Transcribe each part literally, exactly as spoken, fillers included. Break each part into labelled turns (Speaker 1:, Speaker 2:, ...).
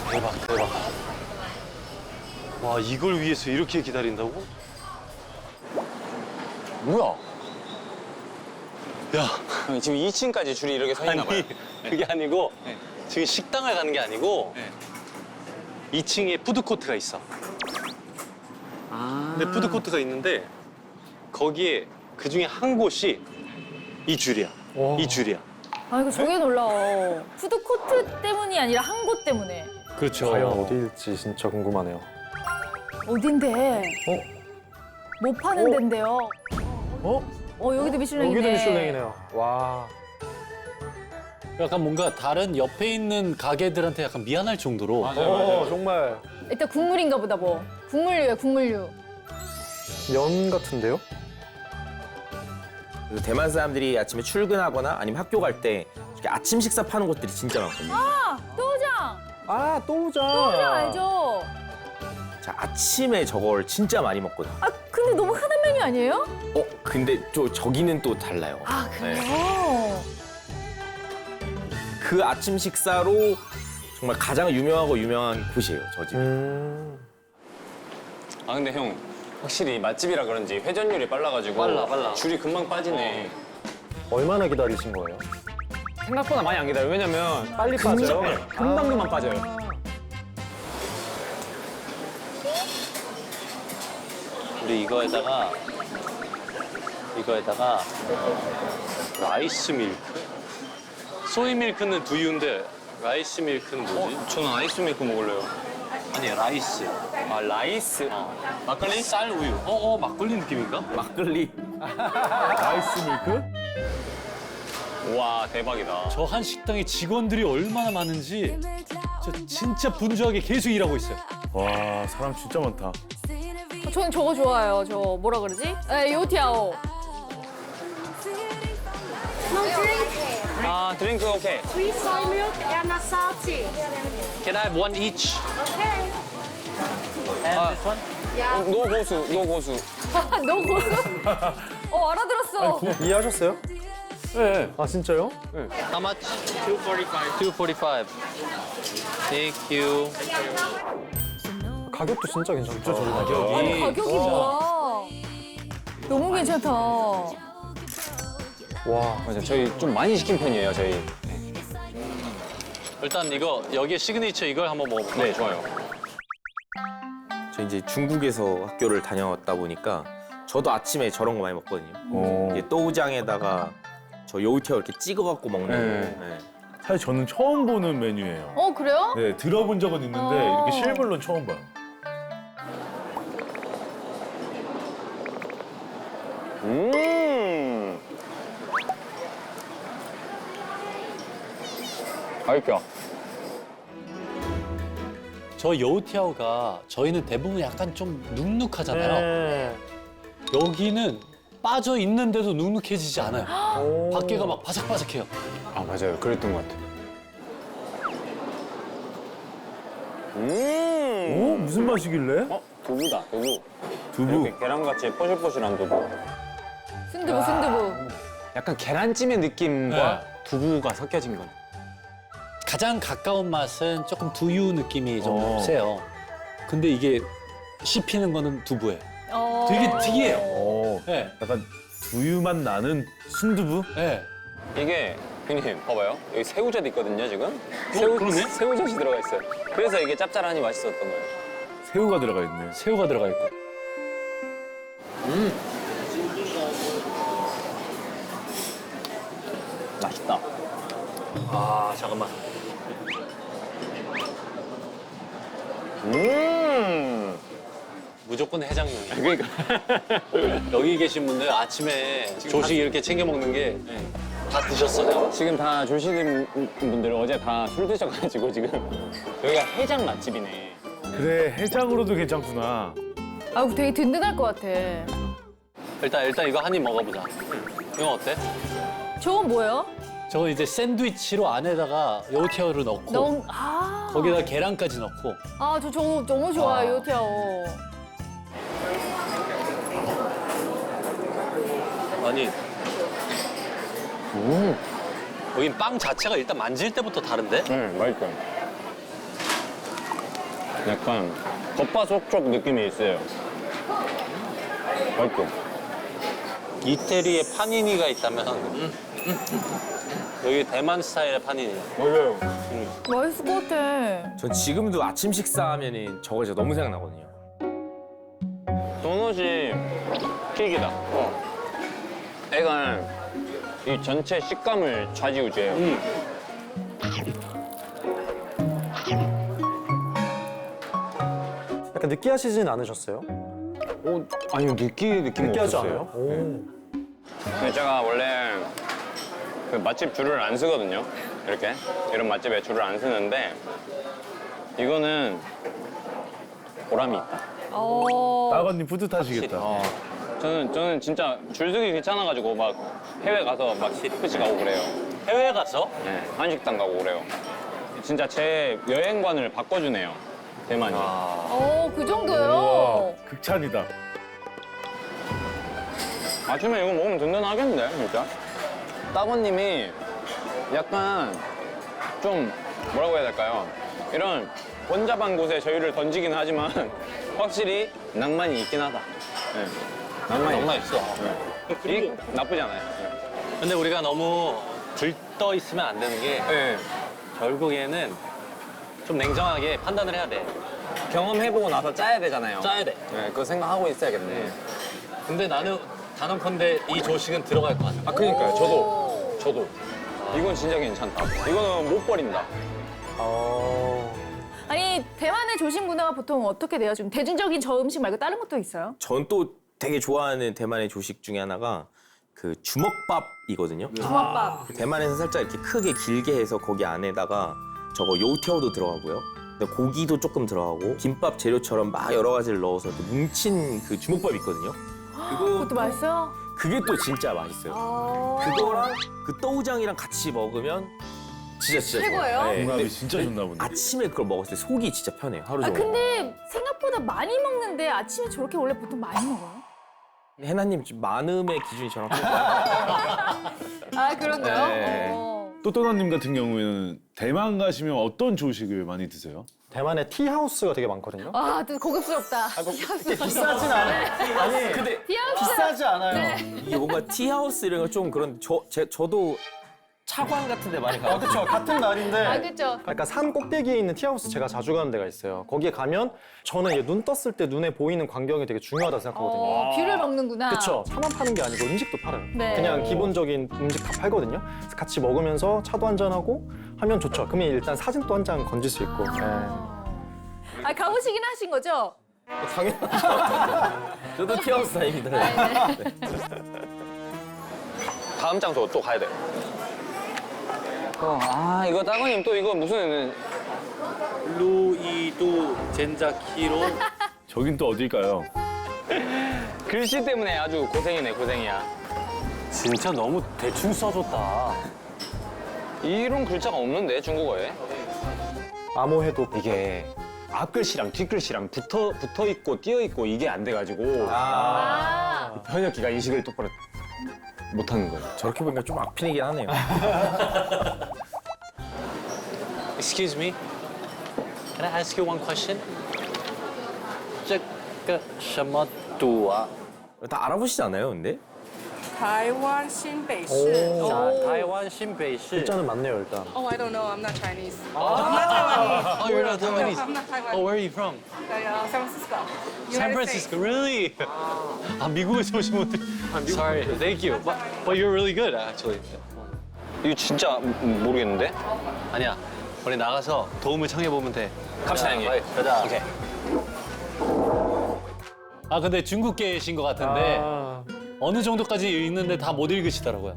Speaker 1: 대박, 대박. 와, 이걸 위해서 이렇게 기다린다고?
Speaker 2: 뭐야?
Speaker 1: 야,
Speaker 2: 형, 지금 이 층까지 줄이 이렇게 서 있나 봐요.
Speaker 1: 아니, 그게 아니고
Speaker 2: 네.
Speaker 1: 지금 식당을 가는 게 아니고
Speaker 2: 네.
Speaker 1: 이 층에 푸드코트가 있어.
Speaker 2: 아.
Speaker 1: 근데 푸드코트가 있는데 거기에 그 중에 한 곳이 이 줄이야. 이 줄이야.
Speaker 3: 아 이거 저게 놀라워. 푸드코트 때문이 아니라 한 곳 때문에.
Speaker 1: 그렇죠.
Speaker 4: 과연 어디일지 진짜 궁금하네요.
Speaker 3: 어딘데?
Speaker 4: 어?
Speaker 3: 못 파는
Speaker 4: 어?
Speaker 3: 데인데요.
Speaker 4: 어?
Speaker 3: 어 여기도 미슐랭이네.
Speaker 4: 여기도 미슐랭이네요. 와.
Speaker 1: 약간 뭔가 다른 옆에 있는 가게들한테 약간 미안할 정도로.
Speaker 4: 어, 정말
Speaker 3: 일단 국물인가 보다 뭐. 국물류야 국물류.
Speaker 4: 면 같은데요?
Speaker 5: 그리고 대만 사람들이 아침에 출근하거나 아니면 학교 갈 때 이렇게 아침 식사 파는 곳들이 진짜 많거든요.
Speaker 3: 아 또우장.
Speaker 4: 아, 또우장.
Speaker 3: 또우장 알죠?
Speaker 5: 자, 아침에 저걸 진짜 많이 먹거든요.
Speaker 3: 아 근데 너무 흔한 메뉴 아니에요?
Speaker 5: 어, 근데 저, 저기는 또 달라요.
Speaker 3: 아 그래요?
Speaker 5: 네. 그 아침 식사로 정말 가장 유명하고 유명한 곳이에요, 저 집.
Speaker 4: 음.
Speaker 2: 아 근데 형 확실히 맛집이라 그런지 회전율이 빨라가지고
Speaker 1: 빨라, 빨라.
Speaker 2: 줄이 금방 빠지네.
Speaker 4: 얼마나 기다리신 거예요?
Speaker 2: 생각보다 많이 안 기다려요. 왜냐면
Speaker 4: 빨리 빠져요?
Speaker 2: 네, 금방금방 빠져요.
Speaker 1: 우리 이거에다가 이거에다가 라이스 밀크. 소이 밀크는 두유인데 라이스 밀크는 뭐지?
Speaker 2: 어, 저는 아이스 밀크 먹을래요.
Speaker 1: 아니 라이스.
Speaker 2: 아 라이스?
Speaker 1: 어.
Speaker 2: 막걸리?
Speaker 1: 쌀 우유. 어, 어 막걸리 느낌인가?
Speaker 5: 막걸리.
Speaker 4: 라이스 밀크?
Speaker 2: 와 대박이다.
Speaker 1: 저 한 식당에 직원들이 얼마나 많은지 저 진짜 분주하게 계속 일하고 있어요.
Speaker 6: 와 사람 진짜 많다.
Speaker 3: 저는 저거 좋아해요. 저 뭐라 그러지? 에 요티아오.
Speaker 7: No drink.
Speaker 2: 아 드링크 오케이.
Speaker 7: Sweet soy milk and a salty.
Speaker 1: Can I have one each?
Speaker 7: Okay.
Speaker 2: 아,
Speaker 7: Yeah.
Speaker 2: 노 고수, 노 고수.
Speaker 3: 너 고수? 어 알아들었어.
Speaker 4: 이해하셨어요?
Speaker 1: 네.
Speaker 4: 아, 진짜요?
Speaker 1: How much? two forty-five. two forty-five. Thank you.
Speaker 4: 가격도 진짜 괜찮다.
Speaker 3: 아니 가격이 뭐야? 너무 괜찮다.
Speaker 4: 와.
Speaker 2: 맞아, 저희 좀 많이 시킨 편이에요, 저희.
Speaker 1: 일단 이거 여기에 시그니처 이걸 한번 먹어볼까요?
Speaker 2: 네, 좋아요.
Speaker 5: 저 이제 중국에서 학교를 다녀왔다 보니까 저도 아침에 저런 거 많이 먹거든요.
Speaker 6: 어.
Speaker 5: 이제 또우장에다가 저 요우티어 이렇게 찍어갖고 먹는
Speaker 6: 네.
Speaker 5: 거. 네.
Speaker 6: 사실 저는 처음 보는 메뉴예요.
Speaker 3: 어 그래요?
Speaker 6: 네, 들어본 적은 있는데
Speaker 3: 어.
Speaker 6: 이렇게 실물로는 처음 봐요.
Speaker 2: 음. 맛있죠?
Speaker 1: 저 여우티아오가 저희는 대부분 약간 좀 눅눅하잖아요.
Speaker 4: 네.
Speaker 1: 여기는 빠져 있는데도 눅눅해지지 않아요.
Speaker 4: 오.
Speaker 1: 밖에가 막 바삭바삭해요.
Speaker 2: 아 맞아요, 그랬던 것 같아요.
Speaker 6: 오
Speaker 2: 음.
Speaker 6: 무슨 맛이길래?
Speaker 2: 어 두부다, 두부.
Speaker 6: 두부.
Speaker 2: 이렇게 계란같이 포실포실한 두부.
Speaker 3: 순두부 순두부.
Speaker 2: 약간 계란찜의 느낌과
Speaker 1: 네.
Speaker 2: 두부가 섞여진 건.
Speaker 1: 가장 가까운 맛은 조금 두유 느낌이 좀
Speaker 6: 어.
Speaker 1: 세요. 근데 이게 씹히는 거는 두부예요.
Speaker 3: 어.
Speaker 1: 되게 특이해요.
Speaker 6: 어,
Speaker 1: 네.
Speaker 6: 약간 두유 맛 나는 순두부?
Speaker 1: 네.
Speaker 2: 이게 형님 봐봐요. 여기 새우젓 있거든요 지금.
Speaker 1: 그러네?
Speaker 2: 새우젓이 들어가 있어요. 그래서 이게 짭짤하니 맛있었던 거예요.
Speaker 6: 새우가 들어가 있네.
Speaker 1: 새우가 들어가 있고.
Speaker 2: 맛있다.
Speaker 1: 아, 잠깐만.
Speaker 2: 음.
Speaker 1: 무조건 해장용이에요.
Speaker 2: 그러니까.
Speaker 1: 여기 계신 분들 아침에 조식 이렇게 챙겨 먹는 게 다 드셨어요?
Speaker 2: 지금 다 조시는 분들 어제 다 술 드셔가지고 지금 여기가 해장 맛집이네.
Speaker 6: 그래 해장으로도 괜찮구나.
Speaker 3: 아 되게 든든할 것 같아.
Speaker 1: 일단 일단 이거 한 입 먹어보자. 이거 어때?
Speaker 3: 저건 뭐예요?
Speaker 1: 저거 이제 샌드위치로 안에다가 여우티아오를 넣고
Speaker 3: 너무 아.
Speaker 1: 거기다 계란까지 넣고
Speaker 3: 아저 저거 너무 좋아요
Speaker 1: 아.
Speaker 3: 요티아오.
Speaker 1: 아니
Speaker 2: 음.
Speaker 1: 여긴 빵 자체가 일단 만질 때부터 다른데?
Speaker 2: 네, 맛있어요. 약간 겉바속촉 느낌이 있어요. 맛있죠?
Speaker 1: 이태리에 파니니가 있다면 여기 대만 스타일의 파니니.
Speaker 2: 맞아요.
Speaker 3: 맛있을 것 같아.
Speaker 5: 전 지금도 아침 식사하면은 저거 진짜 너무 생각나거든요.
Speaker 2: 도넛이 킥이다. 어. 애가 이 전체 식감을 좌지우지해요.
Speaker 1: 음.
Speaker 4: 약간 느끼하시진 않으셨어요?
Speaker 2: 어, 아니요, 느끼, 느낌
Speaker 4: 느끼하지
Speaker 2: 없었어요.
Speaker 4: 않아요? 오.
Speaker 2: 근데 제가 원래 그 맛집 줄을 안 쓰거든요. 이렇게. 이런 맛집에 줄을 안 쓰는데 이거는 보람이 있다.
Speaker 3: 어.
Speaker 6: 나건님 뿌듯하시겠다.
Speaker 2: 어. 저는, 저는 진짜 줄 서기 귀찮아가지고 막 해외 가서 막 스시 가고 그래요.
Speaker 1: 해외 가서?
Speaker 2: 네, 한식당 가고 그래요. 진짜 제 여행관을 바꿔주네요, 대만이.
Speaker 3: 어, 그 정도요?
Speaker 6: 극찬이다.
Speaker 2: 아침에 이거 먹으면 든든하겠는데, 진짜? 따거님이 약간 좀 뭐라고 해야 될까요? 이런 번잡한 곳에 저희를 던지긴 하지만 확실히 낭만이 있긴 하다. 네. 낭만이,
Speaker 1: 낭만 있어.
Speaker 2: 네. 이 나쁘지 않아요. 네.
Speaker 1: 근데 우리가 너무 들떠 있으면 안 되는 게
Speaker 2: 네.
Speaker 1: 결국에는 좀 냉정하게 판단을 해야 돼.
Speaker 2: 경험해보고 나서 짜야 되잖아요.
Speaker 1: 짜야 돼.
Speaker 2: 네, 그거 생각하고 있어야겠네.
Speaker 1: 근데 나는 단언컨대 이 조식은 들어갈 것 같아.
Speaker 2: 아, 그니까요. 저도. 저도. 이건 진짜 괜찮다. 이거는 못 버린다.
Speaker 4: 어...
Speaker 3: 아니, 대만의 조식 문화가 보통 어떻게 돼요? 좀 대중적인 저 음식 말고 다른 것도 있어요?
Speaker 5: 전 또 되게 좋아하는 대만의 조식 중에 하나가 그 주먹밥이거든요.
Speaker 3: 주먹밥.
Speaker 5: 대만에서 살짝 이렇게 크게 길게 해서 거기 안에다가 저거 요티어도 들어가고요. 근데 고기도 조금 들어가고 김밥 재료처럼 막 여러 가지를 넣어서 이렇게 뭉친 그 주먹밥 있거든요.
Speaker 3: 그것도 맛있어요?
Speaker 5: 그게 또 진짜 맛있어요.
Speaker 3: 아.
Speaker 5: 그거랑 그 떠우장이랑 같이 먹으면 진짜 진짜
Speaker 3: 최고예요?
Speaker 5: 좋아요. 네.
Speaker 6: 궁합이 진짜 좋나 보네.
Speaker 5: 아침에 그걸 먹었을 때 속이 진짜 편해요. 하루
Speaker 3: 아,
Speaker 5: 종일.
Speaker 3: 근데 생각보다 많이 먹는데 아침에 저렇게 원래 보통 많이 먹어요?
Speaker 5: 해나님 지금 많음의 기준이 저랑 똑같아요.
Speaker 3: 아, 그런가요?
Speaker 5: 네.
Speaker 3: 어.
Speaker 6: 또또나님 같은 경우에는 대만 가시면 어떤 조식을 많이 드세요?
Speaker 4: 대만에 티하우스가 되게 많거든요.
Speaker 3: 아, 또 고급스럽다.
Speaker 4: 비싸진 않아요. 아니, 근데
Speaker 3: 비하우스.
Speaker 4: 비싸지 않아요.
Speaker 5: 이게 뭔가 티하우스 이런 거 좀 그런 저 제, 저도 차관 같은 데 많이
Speaker 4: 아,
Speaker 5: 가요.
Speaker 4: 그렇죠. 같은 날인데.
Speaker 3: 아, 그쵸.
Speaker 4: 약간 산 꼭대기에 있는 티하우스 제가 자주 가는 데가 있어요. 거기에 가면 저는 이게 눈 떴을 때 눈에 보이는 광경이 되게 중요하다고 생각하거든요.
Speaker 3: 어, 뷰를 먹는구나.
Speaker 4: 그쵸. 차만 파는 게 아니고 음식도 팔아요.
Speaker 3: 네.
Speaker 4: 그냥 기본적인 음식 다 팔거든요. 그래서 같이 먹으면서 차도 한잔하고 하면 좋죠. 그러면 일단 사진도 한 장 건질 수 있고. 네.
Speaker 3: 아, 가보시긴 하신 거죠?
Speaker 5: 당연하죠. 저도 티하우스 다닙니다.
Speaker 2: 다음 장소 또 가야 돼. 어, 아, 이거 따거님 또 이거 무슨
Speaker 1: 루이도 젠자키로.
Speaker 6: 저긴 또 어딜까요?
Speaker 2: 글씨 때문에 아주 고생이네, 고생이야.
Speaker 1: 진짜 너무 대충 써줬다.
Speaker 2: 이런 글자가 없는데, 중국어에.
Speaker 4: 암호해도
Speaker 2: 이게 앞글씨랑 뒷글씨랑 붙어, 붙어 있고 띄어 있고 이게 안 돼가지고
Speaker 3: 아.
Speaker 2: 번역기가 인식을 똑바로 못하는 거예요.
Speaker 5: 저렇게 보니까 좀 악핀이긴 하네요.
Speaker 1: Excuse me. Can I ask you one question? 这个什么赌啊?
Speaker 5: 다 알아보시지 않아요, 근데?
Speaker 8: 台湾新北市。
Speaker 1: 자, 타이완 신베이시.
Speaker 4: 글자는 맞네요, 일단.
Speaker 8: Oh, I don't know. I'm not Chinese. I'm not Taiwanese.
Speaker 1: Oh, you're not Taiwanese.
Speaker 8: I'm not Taiwanese.
Speaker 1: Oh, where are you from?
Speaker 8: Uh, San Francisco.
Speaker 1: San
Speaker 8: United
Speaker 1: Francisco.
Speaker 8: States.
Speaker 1: Really? 아, 미국에서 오신 분들. Sorry. Thank you. But, but you're really good, actually.
Speaker 2: 이거 진짜 음, 모르겠는데?
Speaker 1: 아니야. 우리 나가서 도움을 청해 보면 돼.
Speaker 2: 갑시다, 형님.
Speaker 1: 가자.
Speaker 2: 오케이.
Speaker 1: 아, 근데 중국계신 것 같은데
Speaker 4: 아,
Speaker 1: 어느 정도까지 읽는데 다 못 읽으시더라고요.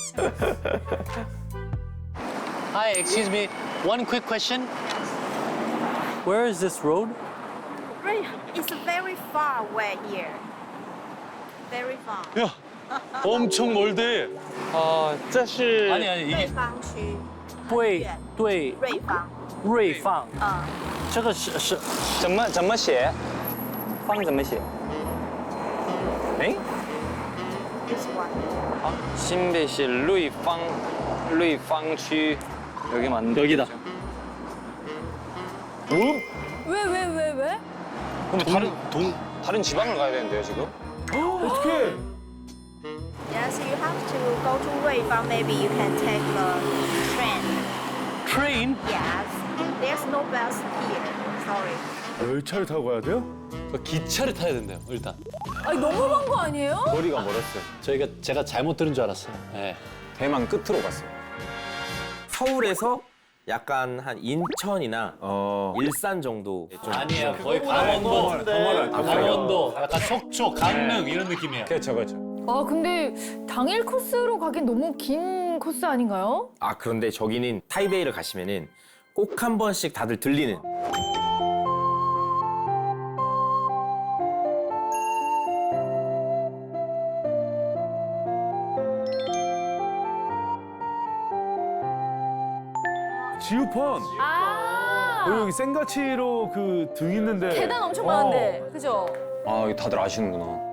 Speaker 1: Hi, excuse me. One quick question. Where is this road?
Speaker 7: Right, it's very far away here. Very far.
Speaker 1: 야, 엄청 멀대.
Speaker 9: 어，这是
Speaker 1: 아니 아니
Speaker 7: 瑞
Speaker 1: 이게
Speaker 7: 芳区，
Speaker 9: 对对
Speaker 7: 瑞芳，
Speaker 9: 瑞放，
Speaker 7: 嗯，
Speaker 9: 这个是是
Speaker 2: 怎么怎么写？方怎么写？哎，
Speaker 7: this one.
Speaker 2: 아, 신배시 루이팡 루이팡区 여기 맞는
Speaker 1: 여기다.
Speaker 3: 왜, 왜, 왜, 왜?
Speaker 2: 그럼 다른 동 다른 지방을 가야 되는데요 지금?
Speaker 6: 어떻게?
Speaker 7: Yes, you have to go to Ruifang. Maybe you can take the train.
Speaker 9: train?
Speaker 7: Yes, there's no bus here. Sorry.
Speaker 6: 열차를 타고 가야 돼요?
Speaker 1: 그 기차를 타야 된대요, 일단.
Speaker 3: 아니, 너무 먼 거 아니에요?
Speaker 2: 거리가 멀었어요.
Speaker 1: 저희가 제가 잘못 들은 줄 알았어요. 네.
Speaker 2: 대만 끝으로 갔어요.
Speaker 5: 서울에서 약간 한 인천이나
Speaker 6: 어.
Speaker 5: 일산 정도 좀
Speaker 1: 아니에요, 거의 강원도.
Speaker 2: 더
Speaker 1: 강원도, 약간 속초, 강릉 이런 느낌이에요.
Speaker 2: 그렇죠, 그렇죠.
Speaker 3: 아, 근데 당일 코스로 가긴 너무 긴 코스 아닌가요?
Speaker 5: 아 그런데 저기는 타이베이를 가시면은 꼭 한 번씩 다들 들리는
Speaker 6: 지우펀.
Speaker 3: 아,
Speaker 6: 어, 여기 생가치로 그 등 있는데.
Speaker 3: 계단 엄청
Speaker 6: 어.
Speaker 3: 많은데, 그죠?
Speaker 2: 아, 이거 다들 아시는구나.